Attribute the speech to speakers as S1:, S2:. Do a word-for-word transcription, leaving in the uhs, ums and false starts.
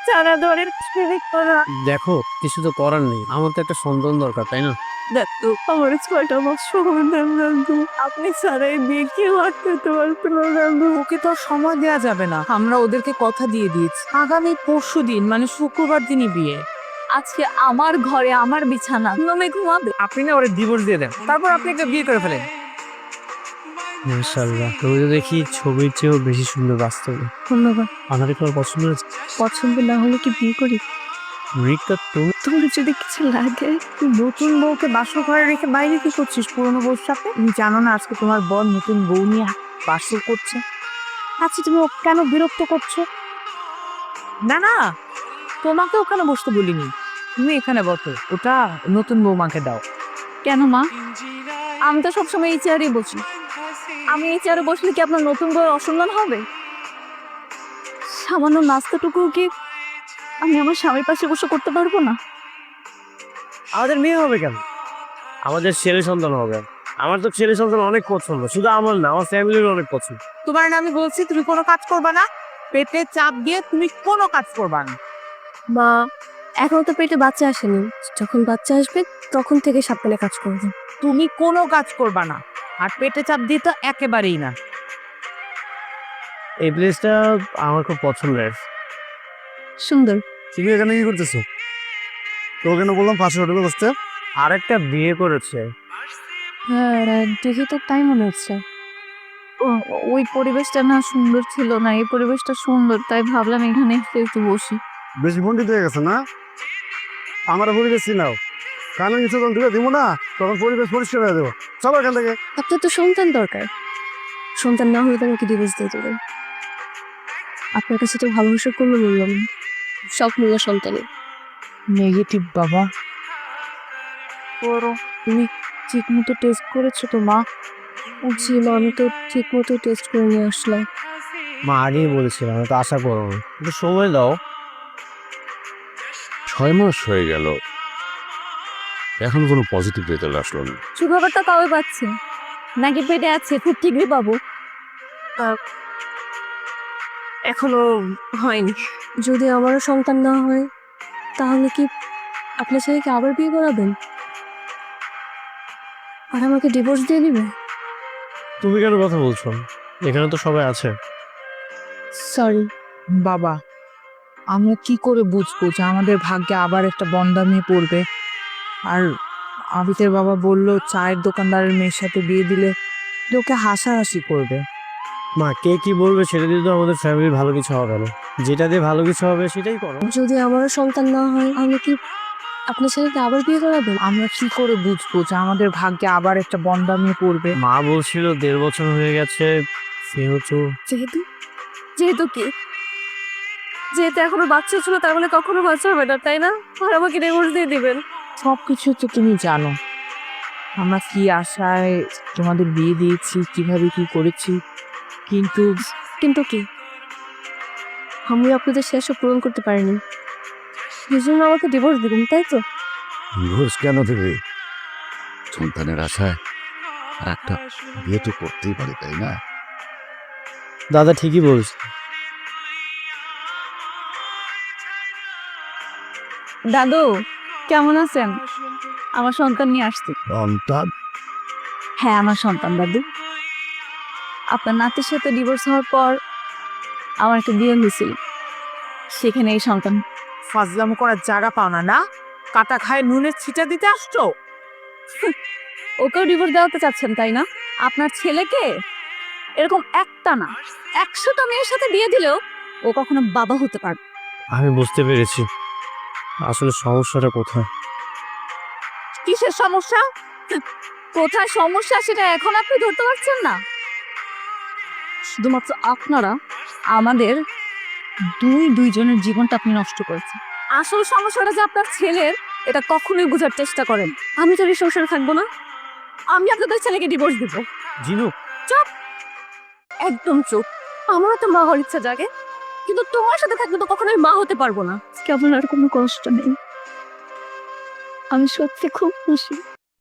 S1: ছাড়া ধরে ছেড়ে করা।
S2: দেখো কিছু তো করার নেই, আমার তো একটা সন্তান দরকার, তাই না?
S1: দেখতো আমার ছয়টা মাস সময় দেন রাখবো, আপনি ছাড়াই বিয়ে কেউ আটকাতে পারতো না রাখবো।
S3: ওকে তো আর সময় দেওয়া যাবে না, আমরা ওদেরকে কথা দিয়ে দিয়েছি আগামী পরশু দিন মানে শুক্রবার দিনই বিয়ে।
S1: আজকে আমার ঘরে আমার বিছানা তুমি ঘুমাবে।
S2: আপনি না ওরে ডিভোর্স দিয়ে দেন,
S3: তারপর আপনি একটা বিয়ে করে ফেলেন।
S2: মাশাআল্লাহ, তুমি তো দেখি ছবির চেয়েও বেশি সুন্দর বাস্তবে।
S1: ধন্যবাদ।
S2: আমার তোমার পছন্দ হয়েছে?
S1: পছন্দ না হলে কি বিয়ে করি?
S2: রিক্তা, তুমি
S1: তোমার যদি কিছু লাগে।
S3: তুই নতুন বউকে বাসর ঘরে রেখে বাইরে কি করছিস পুরনো বউর সাথে? তুমি জানো না আজকে তোমার বর নতুন বউ নিয়ে বাসর করছে? আচ্ছা তুমি ওকে কেন বিরক্ত করছো? না না, তোমাকে ওখানে বসতে বলিনি, তুমি এখানে বসো, ওটা নতুন বৌমাকে দাও।
S1: কেন মা? আমি তো সবসময় এই চেয়ারে বসি। আমি এই চেয়ারে বসলে কি আপনার নতুন বই অসম্মান হবে? সামান্য নাস্তাটুকু কি আমি আমার স্বামীর পাশে বসে করতে পারবো না?
S2: আমাদের মেয়ে হবে কেন? আমাদের ছেলে সন্তান হবে। আমার তো ছেলে সন্তান অনেক পছন্দ, শুধু আমার না, আমার ফ্যামিলির অনেক পছন্দ।
S3: তোমার না আমি বলছি তুমি কোনো কাজ করবা না, পেটে চাপ দিয়ে তুমি কোনো কাজ করবা না।
S1: মা, এখন তো পেটে বাচ্চা আসেনি, যখন বাচ্চা আসবে তখন থেকে সাবধানে কাজ করবে।
S3: তুমি কোনো কাজ করবা না, আর পেটে চাপ দিয়ে তো একেবারেই না।
S2: এই প্লেসটা আমার খুব পছন্দের।
S1: সুন্দর।
S4: তুমি এখানে কি করতেছো? তো কেন বললাম পাশে হোটেলে বসতে?
S2: আরেকটা বিয়ে করেছে।
S1: হ্যাঁ, দেখি তো তাই মনে হচ্ছে। ও- ওই পরিবেশটা না সুন্দর ছিল না, এই পরিবেশটা সুন্দর, তাই ভাবলাম এখানে একটু একটু বসি।
S4: বেশি পণ্ডিত হয়ে গেছে না? আমার পরিবেশ চিনাও, কানে কিছু যখন তুলে দিব না তখন পরিবেশ পরিষ্কার হয়ে দেবো। চলো এখান থেকে।
S1: আপনার তো সন্তান দরকার, সন্তান না হলে তো আমাকে ডিভোর্স দিয়ে দেবেন। আপনার কাছে তো ভালোবাসার কোনো মূল্য নেই, সব মূল্য সন্তানের।
S3: নেগেটিভ বাবা।
S1: বড়, তুমি ঠিক মতো টেস্ট করেছো তো মা? জি মা, আমি তো ঠিক মতো টেস্ট করে নিয়ে আসলাম।
S2: মা আগেই বলেছিলাম, তো আশা করো, একটু সময় দাও।
S5: ছয় মাস হয়ে গেল, এখন কোনো পজিটিভ রেজাল্ট আসলো না।
S1: সুখবরটা কবে পাচ্ছি? নাকি পেটে আছে খুব ঠিকই পাবো? এখনো হয়নি। যদি আমারও সন্তান না হয় তাহলে কি আপনার ছেলেকে আবার বিয়ে করাবেন আর আমাকে ডিভোর্স দিয়ে দিবে?
S2: তুমি কেন কথা বলছো? এখানে তো সবাই আছে।
S1: সরি
S3: বাবা, আমরা কি করে বুঝবো যে আমাদের ভাগ্যে আবার একটা বন্ধ্যা মেয়ে পড়বে? আর আবিতের বাবা বললো চায়ের দোকানদারের মেয়ের সাথে বিয়ে দিলে লোকে হাসাহাসি করবে।
S2: মা কে কি বলবে সেটা দিয়ে তো আমাদের ফ্যামিলির ভালো কিছু হবে না। যেটা দিয়ে ভালো কিছু হবে সেটাই করো।
S1: যদি আমারও সন্তান না হয় আমি কি আপনার ছেলেকে আবার বিয়ে করাবেন?
S3: আমরা কি করে বুঝবো যে আমাদের ভাগ্যে আবার একটা বন্ধ্যা মেয়ে পড়বে?
S2: মা বলছিল দেড় বছর হয়ে গেছে, সেহেতু
S1: যেহেতু যেহেতু কি যেহেতু এখনো বাচ্চা ছিল তার মানে কখনো বাচ্চা হবে না, তাই না? আর আমাকে ডিভোর্স দিয়ে দিবেন?
S3: সবকিছু তো তুমি জানো, আমরা কি আশায় তোমাদের বিয়ে দিয়েছি, কিভাবে কি করেছি, কিন্তু
S1: কিন্তু কি আমি আপনাদের শেষ পূরণ করতে পারিনি, এই জন্য আমাকে ডিভোর্স দিবেন, তাই তো?
S5: ডিভোর্স কেন দেবে? সন্তানের আশায় আর একটা বিয়ে তো করতেই পারে, তাই না?
S2: দাদা ঠিকই বলছে।
S1: দাদু কেমন আছেন? আমার সন্তান নিয়ে আসছি।
S5: সন্তান?
S1: হ্যাঁ, আমার সন্তান দাদু। আপনার নাতির সাথে ডিভোর্স হওয়ার পর আমার একটা বিয়ে হয়েছিল, সেখানে এই সন্তান।
S3: ফাজলাম করার জায়গা পাও না, না কাটা খায় নুনের ছিটা দিতে আসছো?
S1: ওকেও ডিভোর্স দেওয়াতে চাচ্ছেন, তাই না? আপনার ছেলেকে এরকম একটা না একশোটা মেয়ের সাথে বিয়ে দিলেও ও কখনো বাবা হতে পারবে।
S2: আমি বুঝতে পেরেছি আসলে সমস্যাটা কোথায়।
S1: কিসের সমস্যা? কোথায় সমস্যা সেটা এখন আপনি ধরতে পারছেন না। শুধুমাত্র আপনারা আমাদের দুই দুইজনের জীবনটা আপনি নষ্ট করেছেন। আসল সমস্যাটা যে আপনার ছেলের, এটা কখনোই বোঝার চেষ্টা করেন। আমি তো এই সংসারে থাকবো না, আমি আপনাদের ছেলেকে ডিভোর্স দিব।
S2: জিনু,
S1: চুপ, একদম চুপ। আমারও তো মা হওয়ার ইচ্ছা জাগে, কিন্তু তোমার সাথে থাকলে তো কখনোই মা হতে পারবো না। কেমন আর কোনো কষ্ট নেই, আমি সত্যি খুব খুশি।